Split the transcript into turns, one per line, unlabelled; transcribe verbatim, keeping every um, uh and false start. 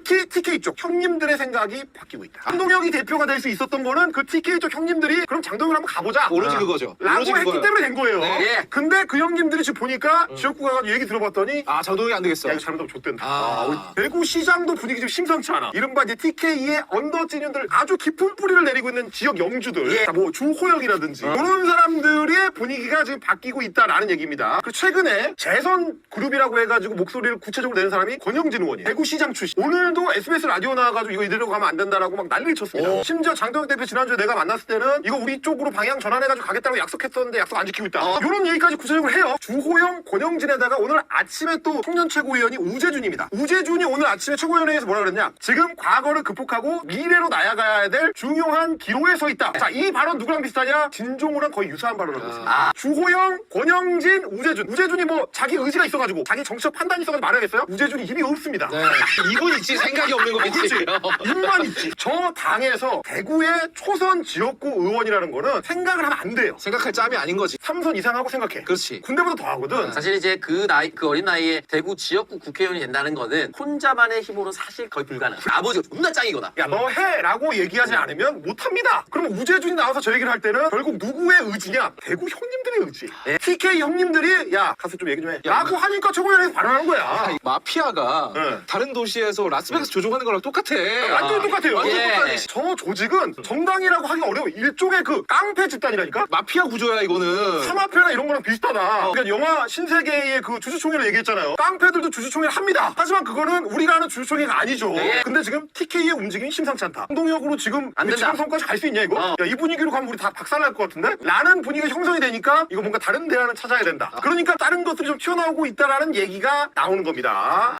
특히 티케이 쪽 형님들의 생각이 바뀌고 있다. 장동혁이 대표가 될 수 있었던 거는 그 티케이 쪽 형님들이 그럼 장동혁을 한번 가보자.
오로지 그거죠.
라고
오로지
했기
그거예요.
때문에 된 거예요.
네.
예. 근데 그 형님들이 지금 보니까 지역구 가가지고 얘기 들어봤더니
아 장동혁이 안 되겠어.
야 이거 잘못하면 좆된다.
아.
아, 우리 대구 시장도 분위기 좀 심상치 않아. 이른바 이제 티케이의 언더지년들 아주 깊은 뿌리를 내리고 있는 지역 영주들,
예.
자, 뭐 주호영이라든지 이런 사람들의 분위기가 지금 바뀌고 있다라는 얘기입니다. 그리고 최근에 재선 그룹이라고 해가지고 목소리를 구체적으로 내는 사람이 권영진 의원이에요. 대구시장 출신. 오늘도 에스비에스 라디오 나와가지고 이거 이대로 가면 안 된다라고 막 난리를 쳤습니다.
오.
심지어 장동혁 대표 지난주에 내가 만났을 때는 이거 우리 쪽으로 방향 전환해가지고 가겠다고 약속했었는데 약속 안 지키고 있다.
어.
이런 얘기까지 구체적으로 해요. 주호영, 권영진에다가 오늘 아침에 또 청년 최고위원이 우재준입니다. 우재준이 오늘 아침에 최고위원회에서 뭐라 그랬냐? 지금 과거를 극복하고 미래로 나아가야 될 중요한 기로에 서 있다. 자, 이 발언 누구랑 비슷하냐? 진종우랑 거의 유사한 발언을 하고 있습니다.
아.
주호영, 권영진, 우재준. 우재준이 뭐 자기 의지가 있어가지고 자기 정치적 판단이 있어가지고 말하겠어요? 우재준이 힘이 없습니다.
네. 이분 있지 생각이 없는 거겠지.
입만 있지. 저 당에서 대구의 초선 지역구 의원이라는 거는 생각을 하면 안 돼요.
생각할 짬이 아닌 거지.
삼선 이상하고 생각해.
그렇지.
군대보다 더 하거든.
사실 이제 그 나이 그 어린 나이에 대구 지역구 국회의원이 된다는 거는 혼자만의 힘으로 사실 거의 불가능. 아버지가 존나 짱이거나.
야, 너 해라고 얘기하지 않으면 못합니다. 그럼 우재준이 나와서 저 얘기를 할 때는 결국 누구의 의지냐? 대구 형님들의 의지.
네.
티케이 형님들이 야 가서 좀 얘기 좀 해.
야,
라고 하니까 최고위원회에서 발언한 거야.
마피아가
네.
다른 도시에서 라스베가스 조종하는 거랑 똑같아.
완전 똑같아요.
완전
예.
똑같아.
저 조직은 정당이라고 하기 어려워. 일종의 그 깡패 집단이라니까?
마피아 구조야 이거는.
사마패나 이런 거랑 비슷하다. 그러니까 영화 신세계의 그 주주총회를 얘기했잖아요. 깡패들도 주주총회를 합니다. 하지만 그거는 우리가 아는 주주총회가 아니죠.
네.
근데 지금 티케이의 움직임이 심상치 않다. 한동혁으로 지금
안 된다.
지방선까지 갈 수 있냐 이거?
어.
야, 이 분위기로 가면 우리 다 박살날 것 같은데? 라는 분위기가 형성이 되니까 이거 뭔가 다른 대안을 찾아야 된다. 그러니까 다른 것들이 좀 튀어나오고 있다라는 얘기가 나오는 겁니다.